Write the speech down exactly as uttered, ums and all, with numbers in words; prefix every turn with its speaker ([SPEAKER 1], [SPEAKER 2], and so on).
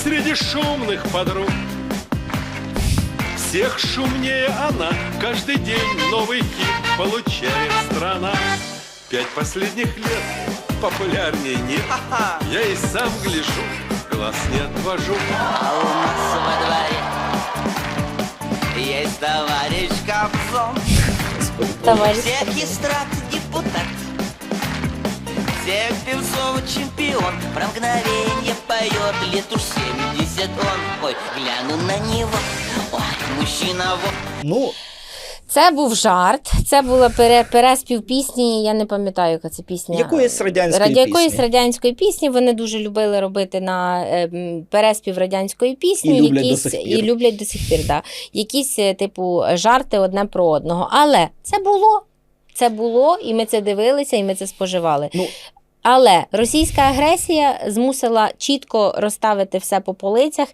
[SPEAKER 1] среди шумных подруг. Всех шумнее она, каждый день новый хит получает страна. Пять последних лет популярнее нет, я и сам гляжу, глаз не отвожу.
[SPEAKER 2] А у нас во дворе есть товарищ Кобзон.
[SPEAKER 3] Товарищ
[SPEAKER 2] Всех эстрад депутат, всех певцов чемпион. Про мгновенье поет, лет уж семьдесят он. Ой, гляну на него, ой, мужчина вот.
[SPEAKER 4] Ну,
[SPEAKER 3] Це був жарт, це була пере, переспів пісні, я не пам'ятаю, яка це пісня.
[SPEAKER 4] якоїсь радянської
[SPEAKER 3] Раді- якоїсь
[SPEAKER 4] пісні.
[SPEAKER 3] радянської пісні. Вони дуже любили робити на е, м, переспів радянської пісні.
[SPEAKER 4] І люблять
[SPEAKER 3] якісь,
[SPEAKER 4] до сих пір.
[SPEAKER 3] І люблять до сих пір, да. Якісь, е, типу, жарти одне про одного. Але це було, це було, і ми це дивилися, і ми це споживали.
[SPEAKER 4] Ну,
[SPEAKER 3] Але російська агресія змусила чітко розставити все по полицях